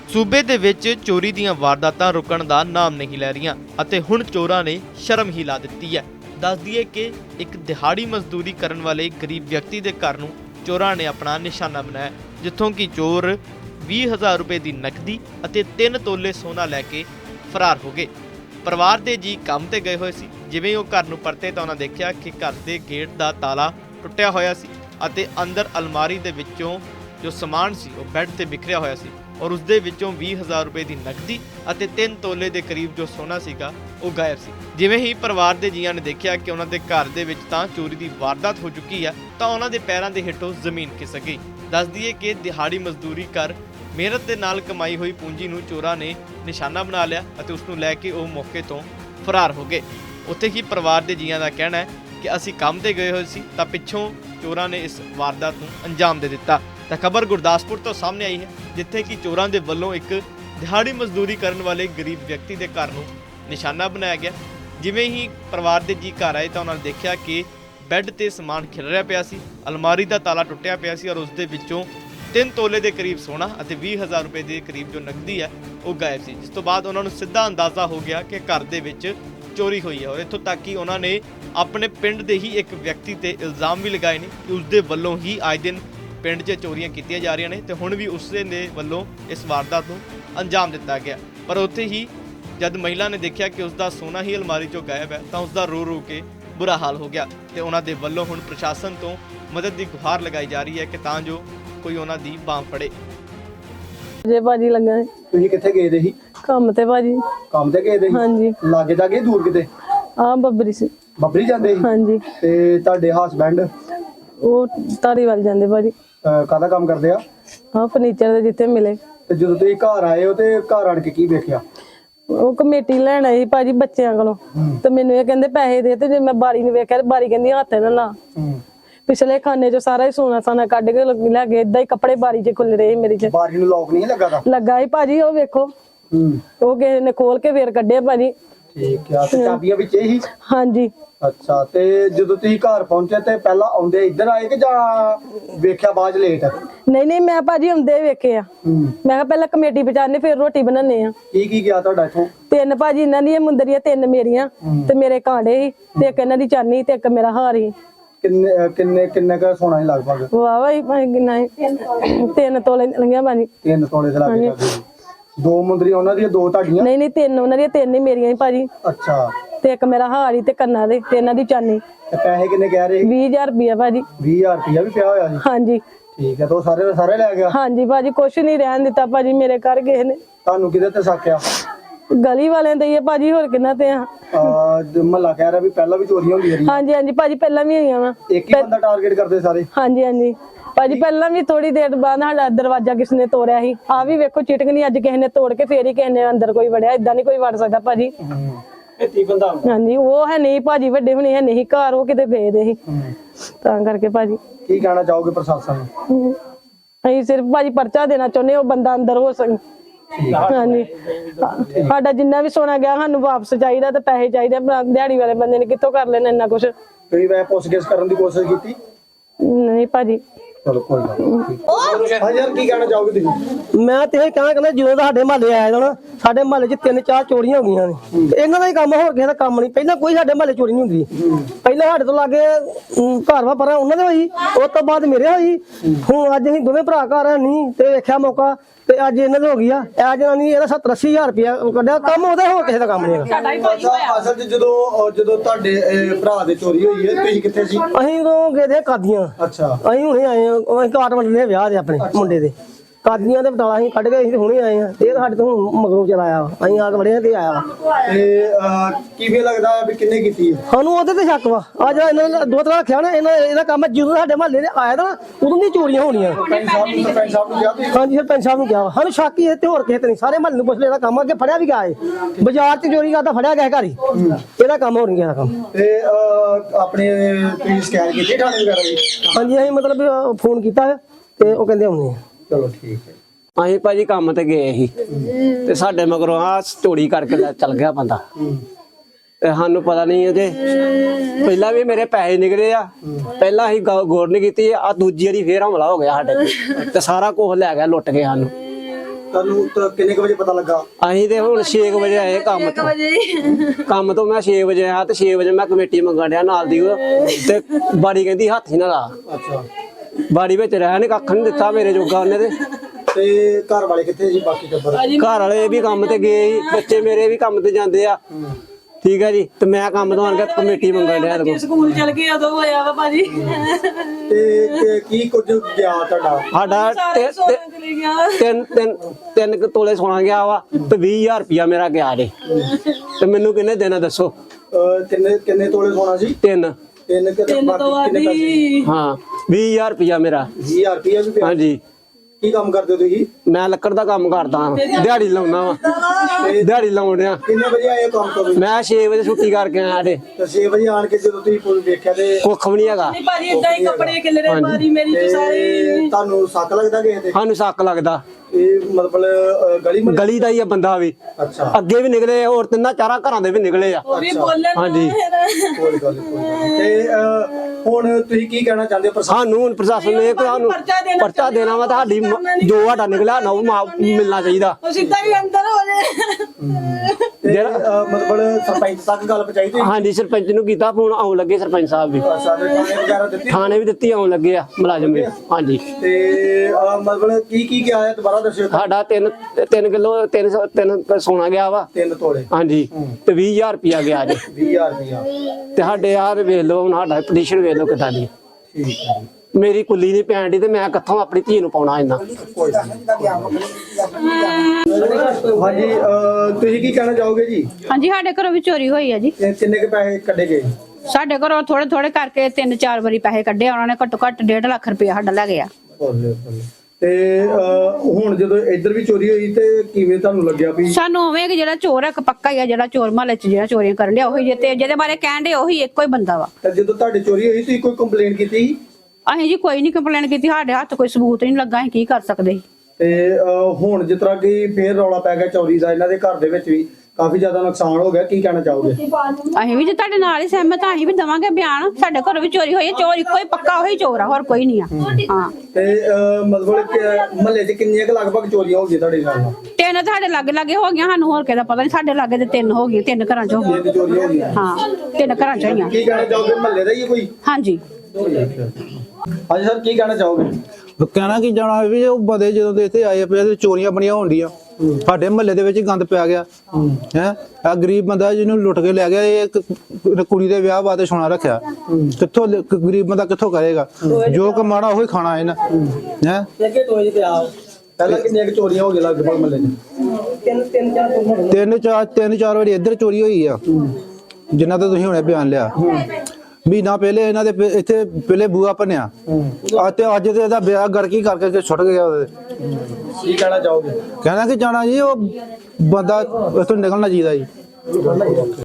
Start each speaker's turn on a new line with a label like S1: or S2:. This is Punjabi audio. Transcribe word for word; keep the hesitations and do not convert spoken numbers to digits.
S1: सूबे दे विच चोरी दीयां वारदातां रुकण दा नाम नहीं लै रहीआं अते हुण चोरां ने शर्म ही ला दित्ती है। दस दईए कि एक दिहाड़ी मजदूरी करन वाले गरीब व्यक्ति दे घर नूं चोरां ने अपना निशाना बनाया, जिथों कि चोर बीस हज़ार रुपए की नकदी अते तीन तोले सोना लैके फरार हो गए। परिवार दे जी काम ते गए हुए सी। जिवें ही ओह घर नूं परते तां उन्हां देखिया कि घर दे गेट दा ताला टुੱਟਿਆ होया सी अते अंदर अलमारी दे विचों जो समान सी ओह बैड ते बिखरिया होया सी और उस दे विचों बीस हज़ार रुपए की नकदी अते तीन तोले के करीब जो सोना सीगा वो गायब सी। जिवें ही परिवार के जीआं ने देखिया कि उन्हां दे घर दे विच तां चोरी की वारदात हो चुकी है तां उन्हां दे पैरां दे हेठों जमीन खिसक गई। दस दईए कि दिहाड़ी मजदूरी कर मेहनत के नाल कमाई हुई पूंजी नूं चोरां ने निशाना बना लिया अते उसनूं लैके ओह मौके तो फरार हो गए। उत्थे ही परिवार के जीआं दा कहना है कि असीं काम ते गए होए सी तां पिछों चोरां ने इस वारदात नूं अंजाम दे दिता। तां खबर गुरदासपुर तो सामने आई है, जिथे कि चोरां दे वल्लों एक दिहाड़ी मजदूरी करन वाले गरीब व्यक्ति के घर नूं निशाना बनाया गया। जिवें ही परिवार के जी घर आए तो उन्होंने देखा कि बैड ते समान खिलरिया पिया सी, अलमारी का ताला टुੱਟਿਆ पिया सी और उस दे विचों तीन तोले के करीब सोना अते बीस हज़ार रुपए के करीब जो नकदी है वो गायब सी। जिस तो बाद उन्होंने सीधा अंदाजा हो गया कि घर दे विच चोरी हुई है और इत्थों तक कि उन्होंने अपने पिंड दे ही एक व्यक्ति ते इल्ज़ाम भी लगाए ने कि उसके वल्लों ही आए दिन पिंड 'च चोरियां कीतियां जा रही ने ते हुण भी उसदे दे वल्लों इस वारदात नूं अंजाम दिता गया। पर उत्थे ही जद महिला ने देखा कि उसका सोना ही अलमारी चों गायब है तो उसका रो रो के बुरा हाल हो गया ते उन्हां दे वल्लों हुण प्रशासन तो मदद की गुहार लगाई जा रही है कि तां जो कोई उन्हां दी बांह फड़े।
S2: ਜੇ ਭਾਜੀ ਲੱਗਾ
S3: ਤੁਸੀਂ ਕਿੱਥੇ ਗਏ ਦੇ ਸੀ?
S2: ਕੰਮ ਤੇ ਭਾਜੀ।
S3: ਕੰਮ ਤੇ ਗਏ ਦੇ ਸੀ?
S2: ਹਾਂਜੀ।
S3: ਲਾਗੇ ਜਾ ਕੇ ਦੂਰ ਕਿਤੇ?
S2: ਆ ਬੱਬਰੀ ਸੀ।
S3: ਬੱਬਰੀ ਜਾਂਦੇ ਸੀ?
S2: ਹਾਂਜੀ।
S3: ਤੇ ਤੁਹਾਡੇ ਹਸਬੈਂਡ
S2: ਉਹ ਧਾਰੀਵਾਲ ਜਾਂਦੇ ਭਾਜੀ।
S3: ਕਾਹਦਾ ਕੰਮ ਕਰਦੇ ਆ?
S2: ਹਾਂ ਫਰਨੀਚਰ ਦੇ ਜਿੱਥੇ ਮਿਲੇ।
S3: ਤੇ ਜਦੋਂ ਤੁਸੀਂ ਘਰ ਆਏ ਹੋ ਤੇ ਘਰ ਆਣ ਕੇ ਕੀ ਵੇਖਿਆ?
S2: ਉਹ ਕਮੇਟੀ ਲੈਣ ਆਈ ਭਾਜੀ ਬੱਚਿਆਂ ਕੋਲੋਂ ਤੇ ਮੈਨੂੰ ਇਹ ਕਹਿੰਦੇ ਪੈਸੇ ਦੇ ਤੇ ਜੇ ਮੈਂ ਬਾਰੀ ਨੂੰ ਵੇਖਿਆ ਤੇ ਬਾਰੀ ਕਹਿੰਦੀ ਹੱਥ ਨਾ ਲਾ। ਪਿਛਲੇ ਖਾਨੇ ਚੋਂ ਸਾਰਾ ਹੀ ਸੋਨਾ ਸਾਨਾ ਕੱਢ ਕੇ ਲੈ ਗਏ। ਏਦਾਂ ਹੀ ਕੱਪੜੇ ਬਾਰੀ 'ਚ ਖੁੱਲ ਰਹੇ ਮੇਰੇ 'ਚ।
S3: ਬਾਰੀ ਨੂੰ ਲੋਕ ਨਹੀਂ ਲੱਗਾ ਦਾ? ਲੱਗਾ
S2: ਹੀ ਭਾਜੀ ਉਹ ਵੇਖੋ। ਉਹ ਕਿਸੇ ਨੇ ਖੋਲ ਕੇ ਫੇਰ ਕੱਢਿਆ ਭਾਜੀ।
S3: ਠੀਕ ਆ। ਤੇ ਚਾਬੀਆਂ ਵਿੱਚ ਹੀ? ਹਾਂਜੀ। ਅੱਛਾ। ਤੇ ਜਦੋਂ ਤੁਸੀਂ ਘਰ ਪਹੁੰਚੇ ਤੇ ਪਹਿਲਾਂ ਆਉਂਦੇ ਇੱਧਰ ਆਏ ਕਿ ਜਾਂ ਵੇਖਿਆ ਬਾਅਦ ਲੇਟ?
S2: ਨਹੀਂ ਨਹੀਂ ਮੈਂ ਭਾਜੀ ਆਉਂਦੇ ਵੇਖੇ ਆ। ਮੈਂ ਕਿਹਾ ਪਹਿਲਾਂ ਕਮੇਟੀ ਪਹੁੰਚਾਣੇ ਫਿਰ ਰੋਟੀ ਬਣਾਉਣੇ ਆ।
S3: ਕੀ ਕੀ ਗਿਆ ਤੁਹਾਡਾ ਇੱਥੋਂ?
S2: ਤਿੰਨ ਭਾਜੀ ਇਹਨਾਂ ਦੀਆਂ ਮੁੰਦਰੀਆਂ, ਤਿੰਨ ਮੇਰੀਆਂ ਤੇ ਮੇਰੇ ਕਾਂਡੇ ਸੀ ਤੇ ਇੱਕ ਇਹਨਾਂ ਦੀ ਚਾਨੀ ਤੇ ਇੱਕ ਮੇਰਾ ਹਾਰ ਸੀ।
S3: ਕਿੰਨੇ ਕਿੰਨੇ ਕਿੰਨੇ ਦਾ ਸੋਨਾ ਸੀ ਲਗਭਗ?
S2: ਵਾਹ ਵਾਹ ਕਿੰਨਾ ਤਿੰਨ ਤੋਲੇ ਲੰਗਿਆ ਭਾਜੀ।
S3: ਤਿੰਨ ਤੋਲੇ ਦੇ ਲੱਗੇ? ਦੋ ਮੁੰਦਰੀਆਂ ਉਹਨਾਂ ਦੀਆਂ, ਦੋ ਤੁਹਾਡੀਆਂ? ਨਹੀਂ
S2: ਨਹੀਂ ਤਿੰਨ ਉਹਨਾਂ ਦੀਆਂ, ਤਿੰਨ ਹੀ ਮੇਰੀਆਂ ਹੀ ਭਾਜੀ।
S3: ਅੱਛਾ।
S2: ਤੇ ਇੱਕ ਮੇਰਾ ਹਾਰ ਹੀ ਤੇ ਕੰਨਾਂ ਦੇ ਤੇ ਇਹਨਾਂ ਦੀ ਚਾਨੀ।
S3: ਤੇ ਪੈਸੇ ਕਿੰਨੇ ਕਹਿ ਰਹੇ?
S2: ਵੀਹ ਹਜ਼ਾਰ ਰੁਪਇਆ ਭਾਜੀ।
S3: ਵੀਹ ਹਜ਼ਾਰ ਰੁਪਇਆ ਵੀ ਪਿਆ ਹੋਇਆ ਜੀ? ਹਾਂਜੀ। ਠੀਕ ਹੈ। ਤਾਂ ਸਾਰੇ ਸਾਰੇ ਲੈ ਗਿਆ?
S2: ਹਾਂਜੀ ਭਾਜੀ ਕੁਛ ਨਹੀਂ ਰਹਿਣ ਦਿੱਤਾ ਭਾਜੀ ਮੇਰੇ ਘਰ ਗਏ ਨੇ।
S3: ਤੁਹਾਨੂੰ ਕਿਹਦੇ ਤੇ ਸ਼ੱਕ ਆ?
S2: ਗਲੀ ਵਾਲਿਆਂ ਤੇ ਹੀ ਆ ਭਾਜੀ, ਹੋਰ ਕਿੰਨਾ ਤੇ ਆ?
S3: ਮਹੱਲਾ ਕਹਿ ਰਿਹਾ ਵੀ ਪਹਿਲਾਂ ਵੀ ਚੋਰੀਆਂ ਹੁੰਦੀਆਂ ਰਹੀਆਂ। ਹਾਂਜੀ
S2: ਹਾਂਜੀ ਭਾਜੀ ਪਹਿਲਾਂ ਵੀ ਹੋਈਆਂ ਵਾ।
S3: ਇੱਕ ਹੀ ਬੰਦਾ ਟਾਰਗੇਟ ਕਰਦੇ ਸਾਰੇ?
S2: ਹਾਂਜੀ ਹਾਂਜੀ ਭਾਜੀ ਪਹਿਲਾਂ ਵੀ ਥੋੜੀ ਦੇਰ ਬਾਅਦ ਸਾਡਾ ਦਰਵਾਜ਼ਾ ਕਿਸ ਨੇ ਤੋੜਿਆ ਸੀ। ਆ ਵੀ ਵੇਖੋ ਚਿਟਕਣੀ ਅੱਜ ਕਿਸੇ ਨੇ ਤੋੜ ਕੇ ਫੇਰ ਹੀ ਕਿਸੇ ਨੇ ਅੰਦਰ ਕੋਈ ਵੜਿਆ। ਏਦਾਂ ਨਹੀਂ ਕੋਈ ਵੜ ਸਕਦਾ ਭਾਜੀ। ਹਾਂਜੀ ਉਹ ਹੈ ਨਹੀਂ ਭਾਜੀ, ਵੱਡੇ ਹੁਣੇ ਹੈ ਨਹੀਂ ਘਰ, ਉਹ ਕਿਤੇ ਗਏ ਦੇ ਸੀ ਤਾਂ ਕਰਕੇ ਭਾਜੀ।
S3: ਕੀ ਕਹਿਣਾ ਚਾਹੋਗੇ ਪ੍ਰਸ਼ਾਸਨ ਨੂੰ?
S2: ਅਸੀਂ ਸਿਰਫ ਭਾਜੀ ਪਰਚਾ ਦੇਣਾ ਚਾਹੁੰਦੇ ਉਹ ਬੰਦਾ ਅੰਦਰ ਹੋ ਸਕੇ। ਹਾਂਜੀ ਸਾਡਾ ਜਿੰਨਾ ਵੀ ਸੋਨਾ ਗਿਆ ਸਾਨੂੰ ਵਾਪਸ ਚਾਹੀਦਾ ਤੇ ਪੈਸੇ ਚਾਹੀਦੇ। ਦਿਹਾੜੀ ਵਾਲੇ ਬੰਦੇ ਨੇ ਕਿੱਥੋਂ ਕਰ ਲੈਣਾ ਇੰਨਾ ਕੁਛ?
S3: ਤੁਸੀਂ ਵੈ ਪੁੱਛਗਿੱਛ ਕਰਨ ਦੀ ਕੋਸ਼ਿਸ਼ ਕੀਤੀ?
S2: ਨਹੀਂ ਭਾਜੀ।
S3: ਚਲੋ ਕੋਈ ਗੱਲ ਨਹੀਂ। ਹਾਂ ਯਾਰ ਕੀ ਕਹਿਣਾ ਚਾਹੋਗੇ ਤੁਸੀਂ?
S4: ਮੈਂ ਤੇ ਇਹ ਕਹਿਣਾ ਕਹਿੰਦਾ ਜਦੋਂ ਸਾਡੇ ਮਹੱਲੇ ਆਇਆ ਨਾ, ਸਾਡੇ ਮਹੱਲੇ 'ਚ ਤਿੰਨ ਚਾਰ ਚੋਰੀਆਂ ਹੋ ਗਈਆਂ ਨੇ। ਇਹਨਾਂ ਦਾ ਹੀ ਕੰਮ, ਹੋਰ ਕਿਸੇ ਦਾ ਕੰਮ ਨਹੀਂ। ਪਹਿਲਾਂ ਕੋਈ ਸਾਡੇ ਮਹੱਲੇ ਚੋਰੀ ਨਹੀਂ ਹੁੰਦੀ। ਪਹਿਲਾਂ ਸਾਡੇ ਤੋਂ ਲਾਗੇ ਘਰ ਵਾ ਪਰ ਉਹਨਾਂ ਦੇ ਹੋਈ, ਉਸ ਤੋਂ ਬਾਅਦ ਮੇਰੇ ਹੋਈ। ਹੁਣ ਅੱਜ ਅਸੀਂ ਦੋਵੇਂ ਭਰਾ ਘਰ ਨਹੀਂ ਤੇ ਵੇਖਿਆ ਮੌਕਾ ਤੇ ਅੱਜ ਇਹਨਾਂ ਦੇ ਹੋ ਗਈ ਆ। ਇਹ ਜਨਾਨੀ ਇਹਦਾ ਸੱਤਰ ਅੱਸੀ ਹਜ਼ਾਰ ਰੁਪਇਆ ਕੱਢਿਆ। ਕੰਮ ਉਹਦਾ, ਹੋਰ ਕਿਸੇ ਦਾ ਕੰਮ ਨਹੀਂ ਹੈਗਾ।
S3: ਅਸਲ 'ਚ ਜਦੋਂ ਜਦੋਂ ਤੁਹਾਡੇ ਭਰਾ ਦੇ ਚੋਰੀ ਹੋਈ ਹੈ ਤੁਸੀਂ ਕਿੱਥੇ ਸੀ?
S4: ਅਸੀਂ ਤੋਂ ਗਏ ਦੇ ਕਾਦੀਆਂ।
S3: ਅੱਛਾ।
S4: ਅਸੀਂ ਹੁਣੇ ਆਏ ਆ। ਅਸੀਂ ਕਾਟ ਵੰਡਣੇ ਵਿਆਹ ਦੇ ਆਪਣੇ ਮੁੰਡੇ ਦੇ ਕਾਦੀਆਂ ਦੇ ਬਟਾਲਾ ਅਸੀਂ ਕੱਢ ਕੇ ਅਸੀਂ ਹੁਣੇ ਆਏ ਆ। ਇਹ ਸਾਡੇ ਤੋਂ ਮਗਰੋਂ ਚਲਾਇਆ ਵਾ। ਅਸੀਂ ਆ ਕੇ ਵੜਿਆ ਤੇ ਆਇਆ ਵਾ।
S3: ਤੇ ਕਿਵੇਂ ਲੱਗਦਾ ਵੀ ਕਿੰਨੇ ਕੀਤੀ ਹੈ?
S4: ਸਾਨੂੰ ਉਹਦੇ ਤੇ ਸ਼ੱਕ ਵਾ। ਆ ਜਿਹੜਾ ਇਹਨਾਂ ਨੇ ਦੋ ਤਰ੍ਹਾਂ ਰੱਖਿਆ ਨਾ, ਇਹਨਾਂ ਇਹਦਾ ਕੰਮ ਜਦੋਂ ਸਾਡੇ ਮਹੱਲੇ ਦੇ ਆਇਆ ਤਾਂ ਉਦੋਂ ਦੀ ਚੋਰੀਆਂ ਹੋਣੀਆਂ।
S3: ਸਰਪੰਚ ਸਾਹਿਬ ਨੂੰ ਸਰਪੰਚ ਸਾਹਿਬ ਨੂੰ ਕਿਹਾ ਤੁਸੀਂ?
S4: ਹਾਂਜੀ ਸਰਪੰਚ ਸਾਹਿਬ ਨੂੰ ਕਿਹਾ ਵਾ। ਸਾਨੂੰ ਸ਼ੱਕ ਹੀ ਤੇ ਹੋਰ ਕਿਸੇ ਤੇ ਨਹੀਂ। ਸਾਰੇ ਮਹੱਲੇ ਨੂੰ ਪੁੱਛ ਲਿਆ। ਇਹਦਾ ਕੰਮ ਅੱਗੇ ਫੜਿਆ ਵੀ ਗਿਆ ਹੈ। ਬਾਜ਼ਾਰ 'ਚ ਚੋਰੀ ਕਰਦਾ ਫੜਿਆ ਗਿਆ ਘਰ ਹੀ। ਇਹਦਾ ਕੰਮ ਹੋਰ ਨਹੀਂ ਇਹਦਾ ਕੰਮ।
S3: ਤੇ ਆਪਣੇ ਤੁਸੀਂ ਸਕੈਨ ਕੀਤੀ ਥਾਣੇ ਵਗੈਰਾ ਜੀ?
S4: ਹਾਂਜੀ ਅਸੀਂ ਮਤਲਬ ਫੋਨ ਕੀਤਾ ਤੇ ਉਹ ਕਹਿੰਦੇ ਆਉਣੇ।
S3: ਚਲੋ ਠੀਕ ਹੈ।
S5: ਅਸੀਂ ਭਾਜੀ ਕੰਮ ਤੇ ਗਏ ਸੀ ਤੇ ਸਾਡੇ ਮਗਰੋਂ ਆ ਚੋਰੀ ਕਰਕੇ ਚੱਲ ਗਿਆ ਬੰਦਾ। ਤੇ ਸਾਨੂੰ ਪਤਾ ਨਹੀਂ ਅਜੇ ਪਹਿਲਾਂ ਵੀ ਮੇਰੇ ਪੈਸੇ ਨਿਕਲੇ ਆ। ਪਹਿਲਾਂ ਅਸੀਂ ਗੌਰ ਨਹੀਂ ਕੀਤੀ। ਆ ਦੂਜੀ ਵਾਰੀ ਫੇਰ ਹਮਲਾ ਹੋ ਗਿਆ ਸਾਡੇ ਤੇ ਸਾਰਾ ਕੁਝ ਲੈ ਗਿਆ, ਲੁੱਟ ਕੇ ਸਾਨੂੰ।
S3: ਤੁਹਾਨੂੰ ਤਾਂ ਕਿੰਨੇ ਕੁ ਵਜੇ ਪਤਾ ਲੱਗਾ?
S5: ਅਸੀਂ ਤੇ ਹੁਣ ਛੇ ਕੁ ਵਜੇ ਆਏ ਕੰਮ ਤੋਂ। ਕੰਮ ਤੋਂ ਮੈਂ ਛੇ ਵਜੇ ਆਇਆ ਤੇ ਛੇ ਵਜੇ ਮੈਂ ਕਮੇਟੀ ਮੰਗਣ ਡਿਆ ਨਾਲ ਦੀ ਉਹ, ਤੇ ਬਾੜੀ ਕਹਿੰਦੀ ਹੱਥ ਹੀ ਨਾ ਲਾ।
S3: ਅੱਛਾ,
S5: ਬਾੜੀ ਵਿੱਚ ਰਹਿ ਨੇ ਕੱਖ ਨਹੀਂ ਦਿੱਤਾ ਮੇਰੇ ਜੋਗਾ ਉਹਨੇ ਤੇ।
S3: ਤੇ ਘਰ ਵਾਲੇ ਕਿੱਥੇ ਜੀ ਬਾਕੀ ਟੱਬਰ?
S5: ਘਰ ਵਾਲੇ ਵੀ ਕੰਮ ਤੇ ਗਏ ਸੀ, ਬੱਚੇ ਮੇਰੇ ਵੀ ਕੰਮ ਤੇ ਜਾਂਦੇ ਆ। ਠੀਕ ਹੈ ਜੀ, ਤੇ ਮੈਂ ਕੰਮ ਤੋਂ ਆਣ ਕੇ ਕਮੇਟੀ ਮੰਗਣ ਡਿਆ ਤੇ
S2: ਸਕੂਲ ਚਲ ਗਏ ਉਦੋਂ ਹੋਇਆ ਵਾ ਭਾਜੀ।
S3: ਤੇ ਤੇ ਕੀ ਕੁਝ ਗਿਆ ਤੁਹਾਡਾ?
S5: ਸਾਡਾ ਤੇ- ਤੇ- ਤਿੰਨ ਤਿੰਨ ਤਿੰਨ ਕੁ ਤੋਲੇ ਸੋਨਾ ਗਿਆ ਵਾ ਤੇ ਵੀਹ ਹਜ਼ਾਰ ਰੁਪਇਆ ਮੇਰਾ ਗਿਆ ਜੇ। ਤੇ ਮੈਨੂੰ ਕਿੰਨੇ ਦੇਣਾ ਦੱਸੋ?
S3: ਅਹ ਕਿੰਨੇ ਕਿੰਨੇ ਤੋਲੇ ਸੋਨਾ ਸੀ?
S5: ਤਿੰਨ।
S3: ਤਿੰਨ ਕਿ ਬਾਕੀ ਕਿੰਨੇ ਪੈਸੇ?
S5: ਹਾਂ, ਵੀਹ ਹਜ਼ਾਰ ਰੁਪਇਆ ਮੇਰਾ।
S3: ਵੀਹ ਹਜ਼ਾਰ ਰੁਪਇਆ ਵੀ ਪਿਆ?
S5: ਹਾਂਜੀ।
S3: ਕੀ ਕੰਮ ਕਰਦੇ ਹੋ ਤੁਸੀਂ?
S5: ਮੈਂ ਲੱਕੜ ਦਾ ਕੰਮ ਕਰਦਾ ਹਾਂ, ਦਿਹਾੜੀ ਲਾਉਣਾ ਵਾ, ਦਿਹਾੜੀ ਲਾਉਣ ਡਿਆ।
S3: ਕਿੰਨੇ ਵਜੇ ਆਏ ਹੋ ਕੰਮ ਤੋਂ ਤੁਸੀਂ?
S5: ਮੈਂ ਛੇ ਵਜੇ ਛੁੱਟੀ ਕਰਕੇ ਆਇਆ ਤੇ
S3: ਤੇ ਛੇ ਵਜੇ ਆਣ ਕੇ ਜਦੋਂ ਤੁਸੀਂ ਪੁਲ ਵੇਖਿਆ ਤੇ
S5: ਕੁੱਖ ਵੀ ਨਹੀਂ ਹੈਗਾ।
S2: ਭਾਜੀ ਇਦਾਂ ਹੀ ਕੱਪੜੇ ਖਿਲਰੇ ਮਾਰੀ ਮੇਰੀ ਚ ਸਾਰੀ।
S3: ਤੇ ਤੁਹਾਨੂੰ ਸ਼ੱਕ ਲੱਗਦਾ ਕਿਸੇ ਤੇ?
S5: ਸਾਨੂੰ ਸ਼ੱਕ ਲੱਗਦਾ
S3: ਇਹ ਮਤਲਬ ਅਹ, ਗਲੀ ਮੁਹੱਲੇ?
S5: ਗਲੀ ਦਾ ਹੀ ਆ ਬੰਦਾ ਵੀ।
S3: ਅੱਛਾ,
S5: ਅੱਗੇ ਵੀ ਨਿਕਲੇ ਹੋਰ ਤਿੰਨਾਂ ਚਾਰਾਂ ਘਰਾਂ ਦੇ ਵੀ ਨਿਕਲੇ ਆ।
S2: ਉਹ ਵੀ ਬੋਲਣ
S5: ਹਾਂਜੀ।
S3: ਕੋਈ ਗੱਲ ਨੀ, ਕੋਈ ਗੱਲ ਨੀ। ਤੇ ਅਹ, ਹੁਣ ਤੁਸੀਂ ਕੀ ਕਹਿਣਾ ਚਾਹੁੰਦੇ ਹੋ ਪ੍ਰਸ਼ਾਸਨ?
S5: ਸਾਨੂੰ ਹੁਣ ਪ੍ਰਸ਼ਾਸਨ ਨੇ ਇੱਕ ਸਾਨੂੰ ਪਰਚਾ ਦੇਣਾ ਵਾ, ਤੁਹਾਡੀ ਜੋ ਸਾਡਾ ਨਿਕਲਿਆ ਨਾ ਉਹ ਮਾਫ਼ ਮਿਲਣਾ ਚਾਹੀਦਾ।
S2: ਉਹ ਸਿੱਧਾ ਹੀ ਅੰਦਰ ਹੋ ਜੇ।
S3: ਤੇ ਅਹ, ਮਤਲਬ ਸਰਪੰਚ ਤੱਕ ਗੱਲ ਪਹੁੰਚਾਈ ਤੇ?
S5: ਹਾਂਜੀ, ਸਰਪੰਚ ਨੂੰ ਕੀਤਾ ਫੋਨ, ਆਉਣ ਲੱਗੇ ਸਰਪੰਚ ਸਾਹਿਬ ਵੀ।
S3: ਸਾਡੇ ਥਾਣੇ ਵਗੈਰਾ ਦਿੱਤੀ?
S5: ਥਾਣੇ ਵੀ ਦਿੱਤੀ, ਆਉਣ ਲੱਗੇ ਆ ਮੁਲਾਜ਼ਮ ਵੀ। ਹਾਂਜੀ।
S3: ਤੇ ਅਹ, ਮਤਲਬ ਕੀ ਕੀ ਗਿਆ ਹੈ ਦੁਬਾਰਾ ਦੱਸਿਓ।
S5: ਸਾਡਾ ਤਿੰਨ ਤਿੰਨ ਕਿਲੋ ਤਿੰਨ ਸੌ- ਤਿੰਨ ਕੁ ਸੋਨਾ ਗਿਆ ਵਾ।
S3: ਤਿੰਨ ਤੋਲੇ?
S5: ਹਾਂਜੀ, ਤੇ ਵੀਹ ਹਜ਼ਾਰ ਰੁਪਇਆ ਗਿਆ ਜੀ।
S3: ਵੀਹ ਹਜ਼ਾਰ ਰੁਪਇਆ?
S5: ਤੇ ਸਾਡੇ ਆਹ ਵੇਖ ਲਓ ਹੁਣ, ਸਾਡਾ ਪੋਜੀਸ਼ਨ ਵੇਖ ਲਓ ਕਿੱਦਾਂ ਦੀ।
S3: ਠੀਕ ਹੈ ਜੀ।
S5: ਮੇਰੀ ਕੁੱਲੀ ਨਹੀਂ ਪੈਣ ਦੀ ਤੇ ਮੈਂ ਕਿੱਥੋਂ ਆਪਣੀ ਧੀ ਨੂੰ ਪਾਉਣਾ ਇੰਨਾ।
S3: ਹਾਂਜੀ, ਅਹ, ਤੁਸੀਂ ਕੀ ਕਹਿਣਾ ਚਾਹੋਗੇ ਜੀ?
S6: ਹਾਂਜੀ, ਸਾਡੇ ਘਰੋਂ ਵੀ ਚੋਰੀ ਹੋਈ ਹੈ ਜੀ।
S3: ਤੇ ਕਿੰਨੇ ਕੁ ਪੈਸੇ ਕੱਢੇ ਗਏ?
S6: ਸਾਡੇ ਘਰੋਂ ਥੋੜੇ ਥੋੜੇ ਕਰਕੇ ਤਿੰਨ ਚਾਰ ਵਾਰੀ ਪੈਸੇ ਕੱਢੇ ਉਹਨਾਂ ਨੇ, ਘੱਟੋ ਘੱਟ ਡੇਢ ਲੱਖ ਰੁਪਇਆ ਸਾਡਾ ਲੈ ਗਿਆ।
S3: ਬੱਲੇ ਬੱਲੇ। ਤੇ ਅਹ, ਹੁਣ ਜਦੋਂ ਇੱਧਰ ਵੀ ਚੋਰੀ ਹੋਈ ਤੇ ਕਿਵੇਂ ਤੁਹਾਨੂੰ ਲੱਗਿਆ ਵੀ?
S6: ਸਾਨੂੰ ਉਵੇਂ ਕਿ ਜਿਹੜਾ ਚੋਰ ਹੈ ਇੱਕ ਪੱਕਾ ਹੀ ਆ, ਜਿਹੜਾ ਚੋਰ ਮਹੱਲੇ 'ਚ ਜਿਹੜਾ ਚੋਰੀਆਂ ਕਰਨ ਲਿਆ ਉਹੀ ਜੇ, ਤੇ ਜਿਹਦੇ ਬਾਰੇ ਕਹਿਣ ਦੇ ਉਹੀ ਇੱਕੋ ਹੀ ਬੰਦਾ ਵਾ।
S3: ਤੇ ਜਦੋਂ ਤੁਹਾਡੀ ਚੋਰੀ ਹੋਈ ਤੁਸੀਂ ਕੋਈ ਕੰਪਲੇਂਟ ਕੀਤੀ?
S6: ਅਸੀਂ ਜੀ ਕੋਈ ਨਹੀਂ ਕੰਪਲੇਨ ਕੀਤੀ, ਸਾਡੇ ਹੱਥ ਕੋਈ ਸਬੂਤ ਨਹੀਂ ਲੱਗਾ, ਅਸੀਂ ਕੀ ਕਰ ਸਕਦੇ ਸੀ।
S3: ਤੇ ਅਹ, ਹੁਣ ਜਿਸ ਤਰ੍ਹਾਂ ਕਿ ਫੇਰ ਰੌਲਾ ਪੈ ਗਿਆ ਚੋਰੀ ਦਾ, ਇਹਨਾਂ ਦੇ ਘਰ ਦੇ ਵਿੱਚ ਵੀ ਕਾਫੀ ਜ਼ਿਆਦਾ ਨੁਕਸਾਨ ਹੋ ਗਿਆ, ਕੀ ਕਹਿਣਾ ਚਾਹੋਗੇ?
S6: ਅਸੀਂ ਵੀ ਜੇ ਤੁਹਾਡੇ ਨਾਲ ਹੀ ਸਹਿਮਤ ਹਾਂ, ਅਸੀਂ ਵੀ ਦੇਵਾਂਗੇ ਬਿਆਨ। ਸਾਡੇ ਘਰੋਂ ਵੀ ਚੋਰੀ ਹੋਈ ਹੈ, ਚੋਰ ਇੱਕੋ ਹੀ ਪੱਕਾ ਉਹੀ ਚੋਰ ਆ, ਹੋਰ ਕੋਈ ਨਹੀਂ ਆ। ਹਾਂ,
S3: ਤੇ ਅਹ, ਮਤਲਬ ਕਿ ਮਹੱਲੇ 'ਚ ਕਿੰਨੀਆਂ ਕੁ ਲਗਭਗ ਚੋਰੀਆਂ ਹੋ ਗਈਆਂ ਤੁਹਾਡੇ ਨਾਲ?
S6: ਤਿੰਨ ਤੁਹਾਡੇ ਲਾਗੇ ਲਾਗੇ ਹੋ ਗਈਆਂ, ਸਾਨੂੰ ਹੋਰ ਕਿਹਦਾ ਪਤਾ ਨਹੀਂ। ਸਾਡੇ ਲਾਗੇ ਤੇ ਤਿੰਨ ਹੋ ਗਈਆਂ, ਤਿੰਨ ਘਰਾਂ 'ਚ ਹੋ ਗਈਆਂ।
S3: ਤਿੰਨ ਚੋਰੀਆਂ ਹੋ ਗਈਆਂ?
S6: ਹਾਂ, ਤਿੰਨ ਘਰਾਂ 'ਚ ਹੋਈਆਂ।
S3: ਕੀ ਕਹਿਣਾ ਚਾਹੋਗੇ? ਮਹੱਲੇ ਦਾ ਹੀ ਹੈ ਕੋਈ?
S6: ਹਾਂਜੀ।
S3: ਹਾਂਜੀ ਸਰ, ਕੀ ਕਹਿਣਾ ਚਾਹੋਗੇ?
S7: ਕਹਿਣਾ ਕੀ ਜਾਣਾ ਵੀ ਉਹ ਬੰਦੇ ਜਦੋਂ ਦੇ ਇੱਥੇ ਆਏ ਪਏ ਤੇ ਚੋਰੀਆਂ ਬਣੀਆਂ ਹੋਣਡੀਆਂ। ਸਾਡੇ ਮਹੱਲੇ ਦੇ ਵਿੱਚ ਹੀ ਗੰਦ ਪੈ ਗਿਆ ਹੈ। ਆ ਗਰੀਬ ਬੰਦਾ ਜਿਹਨੂੰ ਲੁੱਟ ਕੇ ਲੈ ਗਿਆ, ਇਹ ਇੱਕ ਕੁੜੀ ਦੇ ਵਿਆਹ ਵਾਸਤੇ ਸੋਨਾ ਰੱਖਿਆ, ਕਿੱਥੋਂ ਲ- ਗਰੀਬ ਬੰਦਾ ਕਿੱਥੋਂ ਕਰੇਗਾ? ਜੋ ਕਮਾਣਾ ਉਹੀ ਖਾਣਾ ਇਹਨਾਂ ਹੈ।
S3: ਪਹਿਲਾਂ ਕਿੰਨੀਆਂ ਕੁ ਚੋਰੀਆਂ ਹੋ ਗਈਆਂ ਲਗਭਗ ਮਹੱਲੇ 'ਚ?
S7: ਤਿੰਨ ਚਾਰ ਤਿੰਨ ਚਾਰ ਵਾਰੀ ਇੱਧਰ ਚੋਰੀ ਹੋਈ ਆ, ਜਿਨ੍ਹਾਂ ਤੋਂ ਤੁਸੀਂ ਹੁਣੇ ਬਿਆਨ ਲਿਆ। ਮਹੀਨਾ ਪਹਿਲੇ ਇਹਨਾਂ ਦੇ ਪ- ਇੱਥੇ ਪਹਿਲੇ ਬੂਆ ਭੰਨਿਆ ਆ, ਤੇ ਅੱਜ ਤੇ ਇਹਦਾ ਵਿਆਹ ਗੜਕੀ ਕਰਕੇ ਛੁੱਟ ਗਿਆ ਉਹਦੇ।
S3: ਕੀ ਕਹਿਣਾ ਚਾਹੋਗੇ?
S7: ਕਹਿਣਾ ਕਿ ਜਾਣਾ ਜੀ, ਉਹ ਬੰਦਾ ਇੱਥੋਂ ਨਿਕਲਣਾ ਚਾਹੀਦਾ ਜੀ।